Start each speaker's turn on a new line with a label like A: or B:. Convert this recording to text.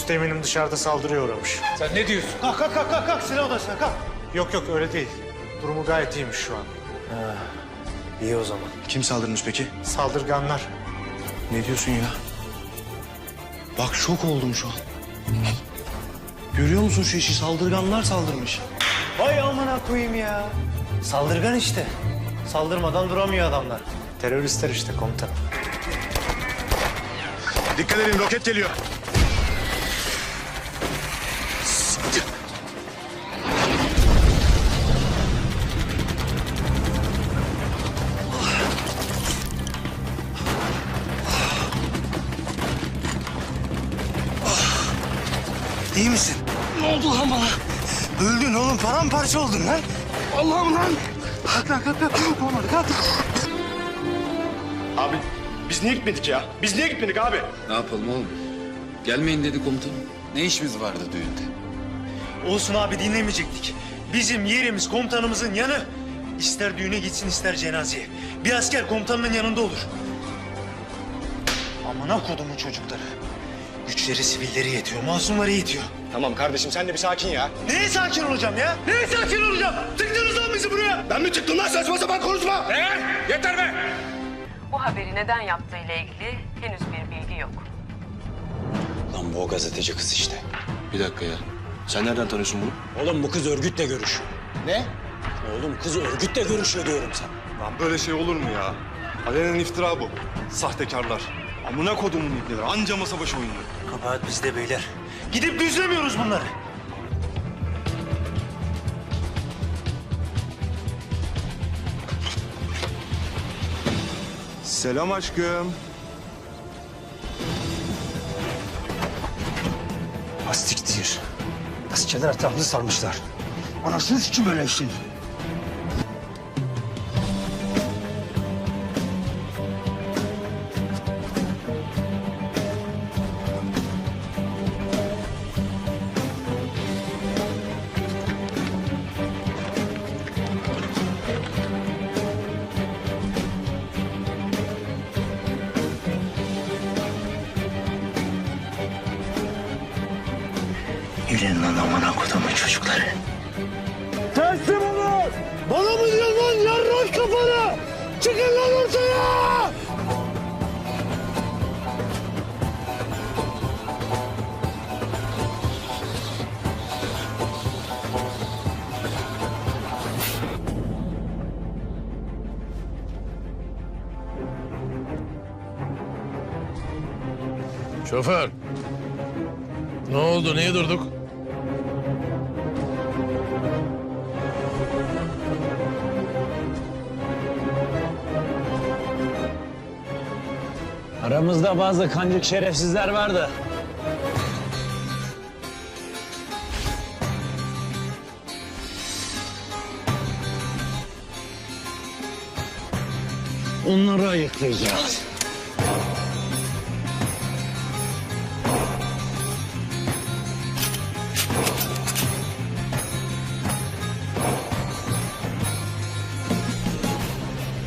A: Üsteğmenim dışarıda saldırıya uğramış.
B: Sen ne diyorsun?
C: Kalk kalk kalk kalk, kalk. Silah odasına kalk.
A: Yok öyle değil. Durumu gayet iyiymiş şu an.
C: İyi o zaman.
D: Kim saldırmış peki?
A: Saldırganlar.
D: Ne diyorsun ya? Bak şok oldum şu an. Görüyor musun şu işi? Saldırganlar saldırmış.
C: Vay amına koyayım ya. Saldırgan işte. Saldırmadan duramıyor adamlar.
A: Teröristler işte komutanım.
D: Dikkat edin, roket geliyor.
C: İyi misin?
D: Ne oldu lan bana?
C: Öldün oğlum, paramparça oldun lan.
D: Allah'ım lan!
C: Kalk lan kalk kalk. Olmadı kalk.
D: Abi biz niye gitmedik ya? Biz niye gitmedik abi?
B: Ne yapalım oğlum? Gelmeyin dedi komutanım. Ne işimiz vardı düğünde?
C: Olsun abi, dinlemeyecektik. Bizim yerimiz komutanımızın yanı. İster düğüne gitsin ister cenazeye. Bir asker komutanının yanında olur. Amına kodumun çocukları. Güçleri sivilleri yetiyor, masumları yetiyor.
D: Tamam kardeşim sen de bir sakin ya.
C: Neye sakin olacağım ya? Neye sakin olacağım? Tıktınız lan bizi buraya.
D: Ben mi çıktım lan, saçma sapan konuşma?
B: Yeter be!
E: Bu haberi neden yaptığıyla ilgili henüz bir bilgi yok.
F: Lan bu o gazeteci kız işte.
D: Bir dakika ya. Sen nereden tanıyorsun bunu?
F: Oğlum bu kız örgütle görüşüyor. Ne? Oğlum kız örgütle görüşüyor diyorum sana.
G: Lan böyle şey olur mu ya? Alenen iftira bu. Sahtekarlar. Amına kodumun ibneler. Anca masa başı oynuyor.
C: Kabahat bizde beyler. Gidip düzlemiyoruz bunları.
G: Selam aşkım.
F: Hastiktir. Askerler etrafını sarmışlar. Anasını sikim böyle işin.
C: Yürüyün lan amına kodumun çocukları.
D: Teslim olun! Bana mı diyorsun lan yarrak kafanı? Çıkın lan ortaya!
H: Şoför. Ne oldu? Niye durduk?
F: Aramızda bazı kancık şerefsizler vardı. Onları ayıklayacağız.